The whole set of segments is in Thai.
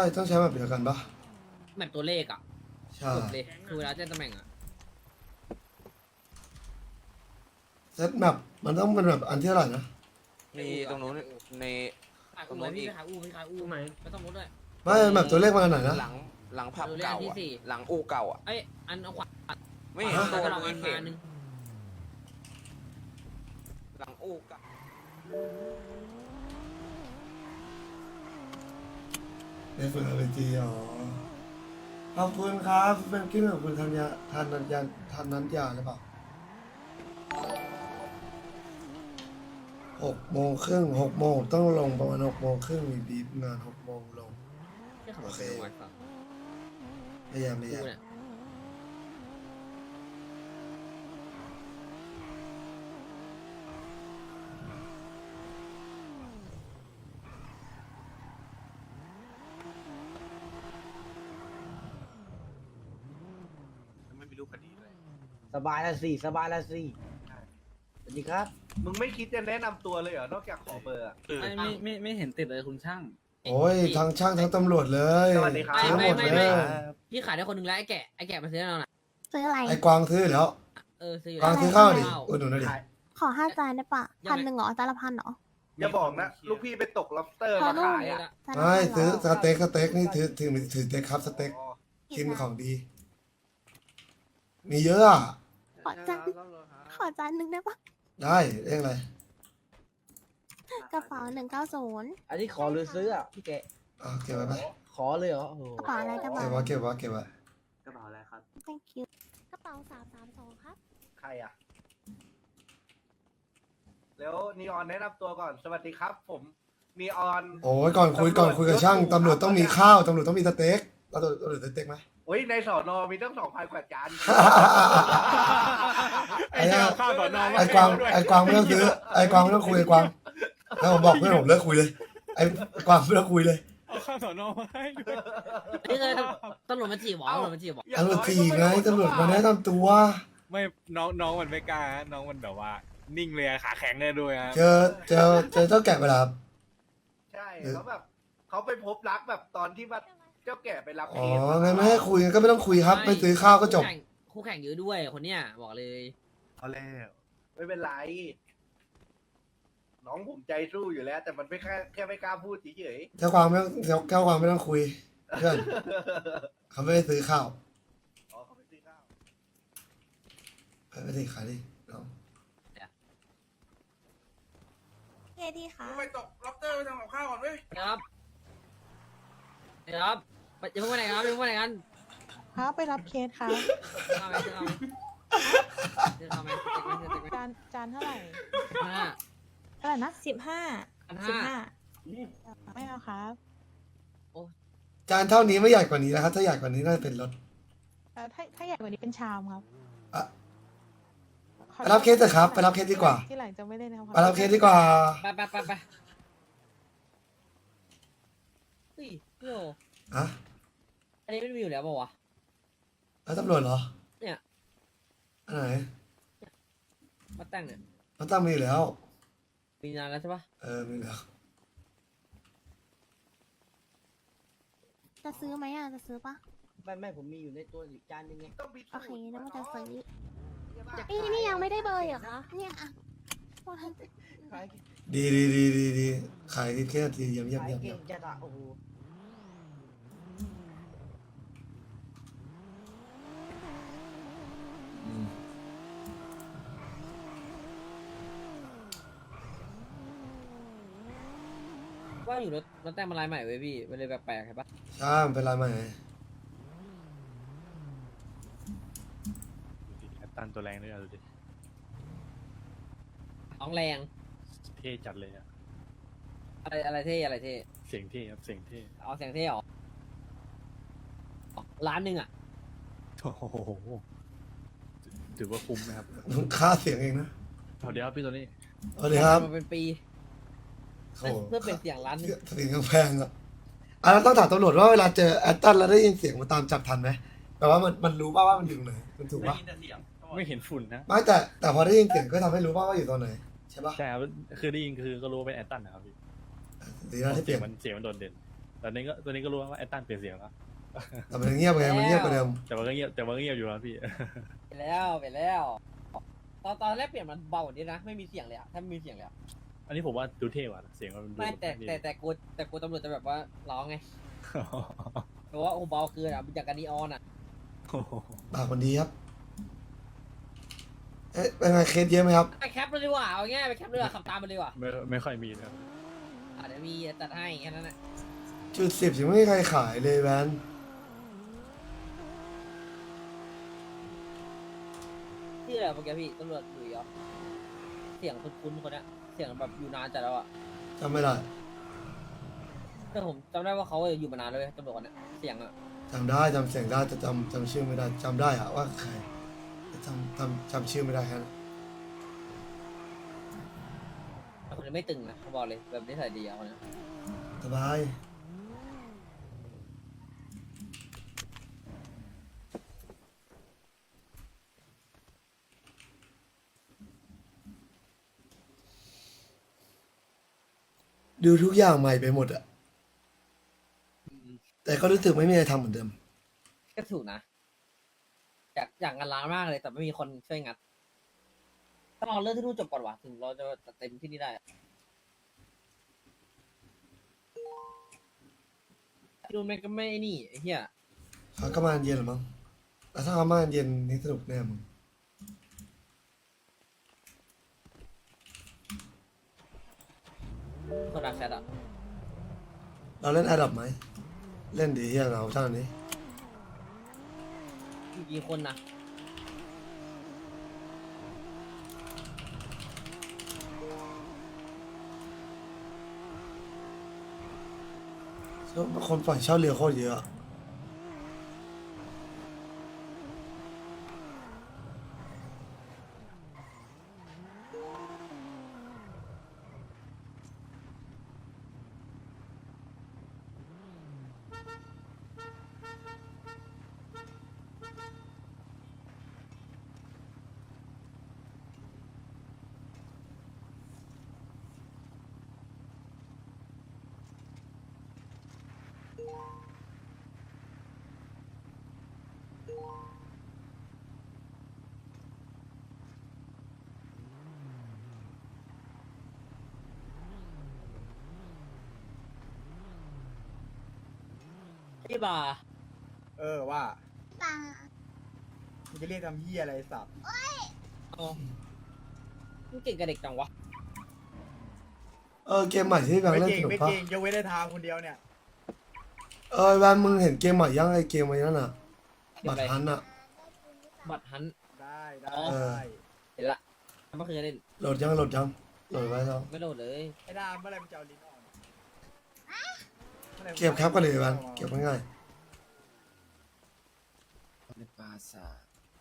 ต้องใช้แบบเดียวกันปะแบบตัวเลขอ่ะใช่จบเลยคือเวลาแจ้งตำแหน่งอ่ะเซตแมปมันต้องเป็นแบบอันที่เท่าไหร่นะมีตรงนู้นในขายอู้พี่ไปขายอู้ไปขายอู้ไหมไม่ต้องลดด้วยไม่แบบตัวเลขมันอันไหนนะหลังผับดูเลขเก่าที่อะสี่หลังอู่เก่าอ่ะเอ้ยอันเอาขวาไม่เห็นตัวก็ลองไม่อันเห็มาน หนึ่งหลังอู่เก่าเป็นฝึกอาร์พีจีอ๋อขอบคุณครับเป็นกิ้งของคุณธัญญาทันนัญญาทันนัญญาหรือเปล่า6:30 6 โมงต้องลงประมาณ6:30มีบีบงาน6 โมงลงแค่ขับรถโอเคไปฝั่งพยายามกูเนี่ยไม่มีรูปคดีด้วยสบายละสิสบายละสิสวัสดีครับมึงไม่คิดจะแนะนำตัวเลยเหรอ นอกจากขอเบอร์อะไม่เห็นติดเลยคุณช่างโอ้ยทั้งช่างทั้งตำรวจเลยสวัสดีครับซื้อหมดเลยพี่ขายได้คนหนึ่งแล้วไอ้แกะมาซื้อเราหน่ะซื้ออะไรไอ้กวางซื้อแล้วซื้ออยู่กวางแล้วซื้อข้าวดิอุดหนุนหน่อยดิขอ5 จานได้ปะยังไง 1,000เหรอจานละ1,000เหรออย่าบอกนะ ลูกพี่ไปตก lobster พอมาลูกขายอ่ะจานละไม่ 1,000 ซื้อเหรสเต็กนี่ถือสเต็กครับสเต็กอ๋อกินของดี มีเยอะอะขอจานหนึ่งได้ปะได้เรียกอะไรกระเป๋า190 อันนี้ขอหรือซื้ออ่ะพี่แกะเก็บไว้ไหมขอเลยเหรอโอ้โหกระเป๋าอะไรกระเก็บเป๋าไว้เก็บไว้เก็บไว้กระเป๋าอะไรครับ thank you กระเป๋า332ครับใครอ่ะ แล้วนีออนแนะนำตัวก่อน สวัสดีครับ ผมนีออนโอ้ยก่อนคุยกับช่างตำรวจต้องมีข้าวตำรวจต้องมีสเต็กตำรวจสเต็กไหมโอ้ยในสอนอมีตั้ง 2,000 กว่าจานไอ้เนี่ยไอ้กวางไม่ต้องซื้อไอ้กวางไม่ต้องคุยไอ้กวางแล้วผมบอกเพื่อนผมเลิกคุยเลยไอ้กวางไม่ต้องคุยเลยเอาข้าวสอนอมาให้ด้วยนี่เคยตำรวจมาจีบหรอตำรวจมาจีบหรอตำรวจจีไงตำรวจมาแนะนำตัวไม่น้องมันไม่กล้าฮะน้องมันแบบว่า นิ่งเลยอะขาแข็งเลยด้วยฮะเจอเจ้าแกะเวลาใช่เขาแบบเขาไปพบรักแบบตอนที่ว่าเจ้าแก่ไปรับอ๋อเคสงั้นไม่ให้คุยก็ไม่ต้องคุยครับไม่ซื้อข้าวก็จบคู่แข่งเยอะด้วยคนเนี้ยบอกเลยเอาแล้วไม่เป็นไร น้องผมใจสู้อยู่แล้ว แต่มันไม่แค่ไม่กล้าพูดเฉยเจ้าความไม่ต้องเจ้าความไม่ต้องคุยเพื่อนเขาไม่ได้ซื้อข้าวๆอ๋อเขาไปซื้อข้าวไม่ได้ขายดิน้องเคดีค่ะไปตกล็อบเตอร์ไปทำกับข้าวก่อนเว้ยครับครับจะพูดว่าไหนครับจะพูดว่าไหนกันครับไปรับเคสครับข้าวไหมข้าวไหมข้าวไหมจานเท่าไหร่ห้าเท่าไหร่นะ15 15 15ไม่เอาครับจานเท่านี้ไม่ใหญ่กว่านี้นะครับถ้าใหญ่กว่านี้น่าจะเป็นรถถ้าใหญ่กว่านี้เป็นชามครับอ่ะขอไปรับเคสเถอะครับไปรับเคสดีกว่าที่หลังจะไม่เล่นนะครับไปรับเคสดีกว่าไปเฮ้ยพี่โออะอันนี้ไม่มีอยู่แล้วเปล่าวะแล้วตำรวจเหรอเนี่ยอันไหนมาแต่งเนี่ยมันตั้งมีอยู่แล้วมีนานแล้วใช่ปะมีแล้วจะซื้อไหมอ่ะจะซื้อปะไม่ผมมีอยู่ในตัวอีกจานหนึงไงต้องพิโอสูเคจน์แล้วมันจะซื้อนี่ยังไม่ได้เบอร์เหรอคะเนี่ยอ่ะขายดีขายแค่นาทีเยี่ยมขายเก่งจัดอะโอ้โหว่าอยู่รถแต่งมาลายใหม่เว้ยพี่มันเลยแปลกๆใช่ปะใช่มันเป็นไรไหมแอตตันตัวแรงด้วยอะดูดิน้องแรงเท่จัดเลยอะอะไรเท่อะไรเท่เสียงเท่ครับเสียงเท่เอาเสียงเท่หรอล้านหนึ่งอ่ะโอ้โหถือว่าคุ้มนะครับต้องค่าเสียงเองนะเอาเดี๋ยวพี่ตัวนี้สวัสดีครับมันเป็นปีโอ้โหเพื่อเป็นเสียงล้านหนึ่งเสียงแพงอ่ะแล้วต้องถามตำรวจว่าเวลาเจอแอตตันแล้วได้ยินเสียงมันตามจับทันไหมแปลว่ามันรู้ป่าว่ามันอยู่ตรงไหนมันถูกป่ะไม่เห็นฝุ่นนะไม่แต่พอได้ยินเสียงก็ทำให้รู้ป่าว่าอยู่ตรงไหนใช่ป่ะใช่ครับคือได้ยินคือก็รู้ว่าเป็นแอตตันนะครับพี่ดีนะที่เปลี่ยนเสียงมันโดดเด่นตอนนี้ก็รู้ว่าไอ้ตั้นเปลี่ยนเสียงแล้วแต่มันเงียบไงมันเงียบกว่าเดิมแต่มันก็เงียบอยู่นะพี่ไปแล้วตอนแรกเปลี่ยนมันเบากว่านี้นะไม่มีเสียงเลยอะถ้าไม่มีเสียงเลยอะอันนี้ผมว่าดูเท่กว่าเสียงมันดูไม่แต่กูตำรวจจะแบบว่าร้องไงเพราะว่าโอ้เบาคืออะอย่างกันนีออนอะปากคนดีครับเอ๊ะเป็นไงเคสเยอะไหมครับไปแคปเลยดีกว่าเอาง่ายไปแคปเลยดีกว่าขับตามมันเลยดีกว่าไม่ค่อยมีนะครับเดี๋ยวมีจัดให้แค่นั้นแหละจุด10ยังไม่มีใครขายเลยแวนที่อะไรเมื่อกี้พี่ตำรวจอยู่เหรอเสียงคุ้นๆคนเนี้ยเสียงแบบอยู่นานจัดแล้วอะจำไม่ได้แต่ผมจำได้ว่าเขาอยู่มานานเลยตำรวจคนเนี้ยเสียงอะจำได้จำเสียงได้แต่จำชื่อไม่ได้จำได้อะว่าใครแต่จำชื่อไม่ได้แค่นั้นแต่คนนี้ไม่ตึงนะเขาบอกเลยแบบนิสัยดีอะคนเนี้ยสบายดูทุกอย่างใหม่ไปหมดอะแต่ก็รู้สึกไม่มีอะไรทำเหมือนเดิมก็ถูกนะอยากงานร้านมากเลยแต่ไม่มีคนช่วยงัดต้องรอเรื่องที่นู่นจบก่อนว่ะถึงเราจะเต็มที่นี่ได้อะที่นู่นแม่งก็ไม่นี่ไอ้เหี้ยเขาก็มาเย็นหรือมั้งแล้วถ้าเขามาเย็นนี่สนุกแน่มึงคนรักแชทอะเราเล่นแอดดับไหม เล่นดีเฮียเราเท่านี้มีกี่คนนะคนปล่อยเช่าเรือโคตรเยอะพี่บาร์ว่าป่ามึงจะเรียกทำเหี้ยอะไรสับเอามึงเก่งกับเด็กจังวะเกมใหม่ที่แบงค์เล่นสนุกปะยกเว้นได้ทางคนเดียวเนี่ยแบงค์มึงเห็นเกมใหม่ยังไอเกมอะไรนั่นน่ะ บัตรฮันน่ะบัตรฮันได้อ๋อ เห็นละเมื่อคืนเล่นโหลดยังโหลดไว้แล้วไม่โดดเลยไอ้ดามเมื่อไรมันจะเอาลิ้นออกเก็บแคปกันเลยแบงค์เก็บง่ายในปราสาท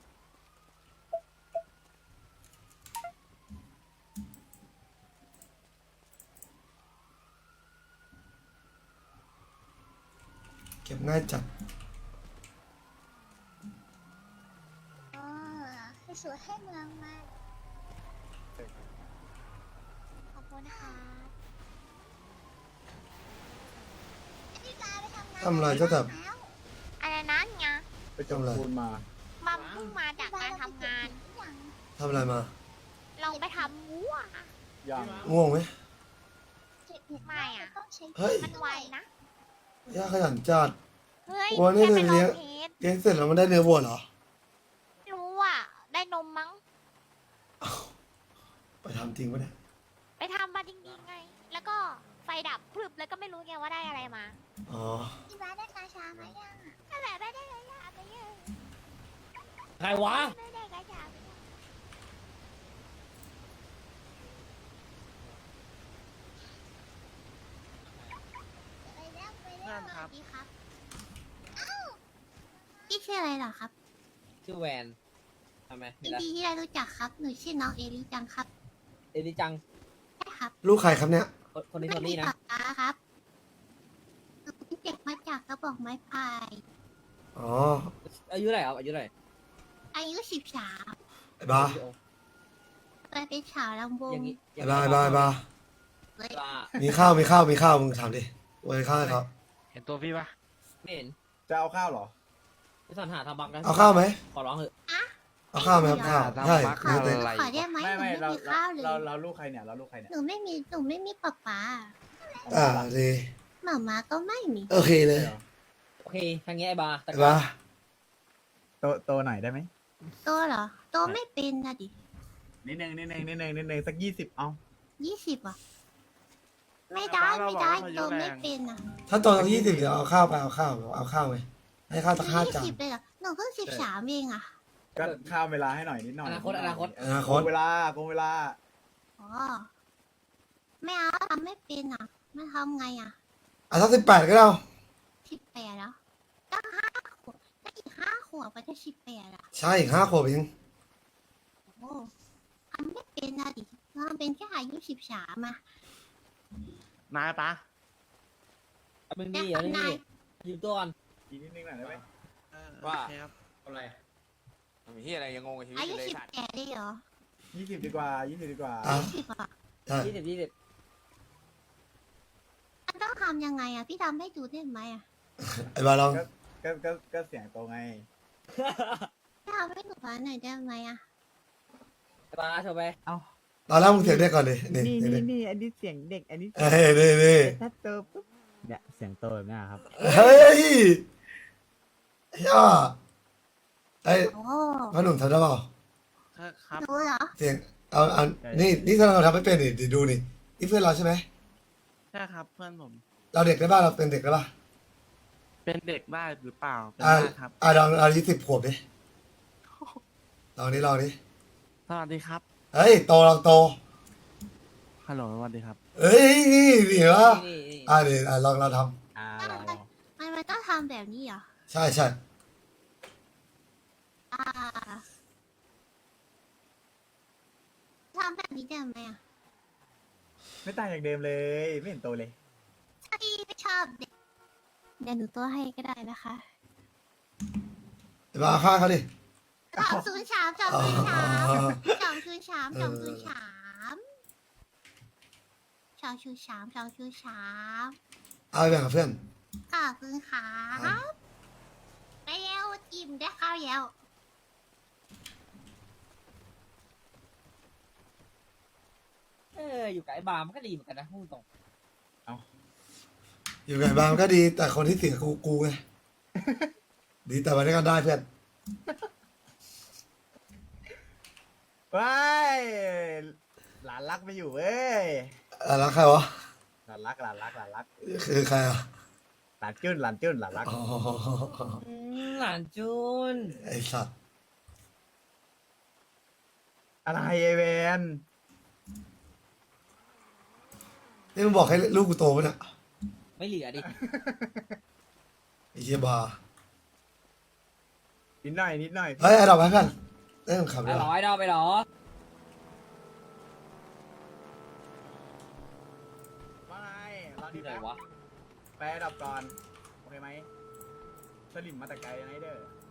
เก็บง่ายจัดให้สวยให้เมืองมาขอบคุณค่ะทำอะไรเจ้าแต่อะไรนะเนี่ยไปจมปูนมามัมเพิ่งมาจากการทำงานทำอะไรมาลองไปทำวัวอย่างง่วงไหมไม่อ่ะเฮ้ยมันไวนะย่าขยันจัดเฮ้ยวัวนี่แค่ไปเลี้ลยอง งเทสเลี้ยงเสร็จแล้วมันได้เนื้อวัวเหรอรู้อ่ะ ได้นมมั้งไปทำจริงปะเนี่ยไปทำมาจริงๆไง แล้วก็ไฟดับพรึบแล้วก็ไม่รู้ไงว่าได้อะไรมาอ๋อพี่บ้าได้กาชาไหมยังนั่นแหละได้กาชาไปยังใครวะไม่ได้กาชาไปยังนั่นครับพี่ครับพี่ชื่ออะไรเหรอครับชื่อแวนทำไมมียินอะไรดีที่ได้รู้จักครับ หนูชื่อน้องเอลิจังครับเอลิจังใช่ครับลูกใครครับเนี่ยคนนี้ไม่โทมีนี่นะปากกาครับหนูเป็นเด็กมาจากกระบอกไม้พายอ๋ออายุเท่าไหร่ครับอายุเท่าไหร่อายุ13 ไอ้บ้าเคยเป็นสาวลำวงอย่างนี้ไอ้บ้าเลยบ้ามีข้าวมึงถามดิโอ้ยข้าวให้เขาเห็นตัวพี่ปะไม่เห็นจะเอาข้าวเหรอพี่สันหาทำบักนะเอาข้าวไหมขอร้องเถอะเอาข้าวไหมครับข้าวใช่ข้าวเดี๋ยวอะไรขอได้ไหมหนูไม่มีข้าวเลยเราลูกใครเนี่ยเราลูกใครเนี่ยหนูไม่มีป๊าป๊าดีหมาม้าก็ไม่มีโอเคเลยโอเคทางนี้ไอ้บาร์แต่ไอ้บ้าโตหน่อยได้ไหมโตเหรอโตไม่เป็นนะดินิดนึงสัก20เอา 20อ่ะไม่ได้โตไม่เป็นอ่ะถ้าโตสัก20เดี๋ยวเอาข้าวไปเอาข้าวไหมให้ข้าวสัก5 จาน 20เลยเหรอหนูเพิ่ง13เองอ่ะก็ข้ามเวลาให้หน่อยนิดหน่อยอนาคตอนาคโกตงเวลาอ๋อไม่เอาทำไม่เป็นอ่ะไม่ทำไงอ่ะอ่ะสัก18ก็ได้เอา 18แล้วตั้ง5 ขวบตั้งอีก5 ขวบก็จะ18อ่ะใช่อีก5 ขวบเองโอ้ทำไม่เป็นนะดิเราเป็นแค่อายุ13อ่ะมาปะมึงดีเหรอนี่ยืมตัวก่อนอีกนิดนึงหน่อยได้ไหมว่าอะไรมีที่อะไรยังงงกับชีวิตอาอยุยู่เลยสัตว์ 18ได้เหรอ 20ดีกว่าอ่ะ 20อ่ะใช่ 20 มันต้องทำยังไงอ่ะพี่ทำให้ดูได้ไหมอ่ะไอ้บ้าลองก็เสียงโตไงพี่ทำให้หนูฟังหน่อยได้ไหมอ่ะไอ้บาร์โชว์ไปตอนแรกมึงเสียงเด็กก่อนดินี่นี่อันนี้เสียงเด็กอันนี้เฮ้ยนี่ถ้าโตปุ๊บเนี่ยเสียงโตแบบนี้ครับเฮ้ยย่าไอ้โอ้พ่อหนุ่มทำได้เปล่าครับรู้เหรอเสียงเอานี่ถ้าเราทำไม่เป็นดิดูนี่เพื่อนเราใช่ไหมใช่ครับเพื่อนผมเราเด็กได้ป่ะเราเป็นเด็กได้ป่ะเป็นเด็กได้หรือเปล่า เป็นอ่าได้ครับลอง20 ขวบดิลองดิสวัสดีครับเฮ้ยโตลองโตฮัลโหลสวัสดีครับเฮ้ยนี่ดิวะนี่ดิลองเราทลองมันต้องทำแบบนี้เหรอำใช่อ่าทำแบบนี้ได้ไหมอ่ะไม่ต่างจากเดิมเลยไม่เห็นโตเลยพี่ไม่ชอบเด็กเดี๋ยวหนูตัวให้ก็ได้นะคะมาฆ่าเขาดิ 203 203 203 เอาไปแบ่งกับเพื่อนขอบคุณครับไปเร็วอิ่มได้ข้าวแล้วอยู่กับไอ้บาร์มันก็ดีเหมือนกันนะพูดตรงอยู่ไงบ้างก็ดี แต่คนที่เสียกูไง ดีแต่วันนี้ก็ได้เพื่อนว้ายหลานรักไม่อยู่เว้ยแล้วใครวะหลานรักคือใครอ่ะหลานจุ้นหลานรักอ๋อหลานจุนไอสัตว์อะไรไอเวนนี่มึงบอกให้ลูกกูโตปะเนี่ยไม่เหลือดิไอเชี่ยบานิดหน่อยเฮ้ยไอ้ดอกไม้เพื่อนเริ่มขับไปแล้วหรอไอ้ดอกไปหรอว่าไงรอที่ดีไหนแป๊บวะไปดับก่อน โอเคไหมสลิมมาแต่ไกลนะไอเด้อ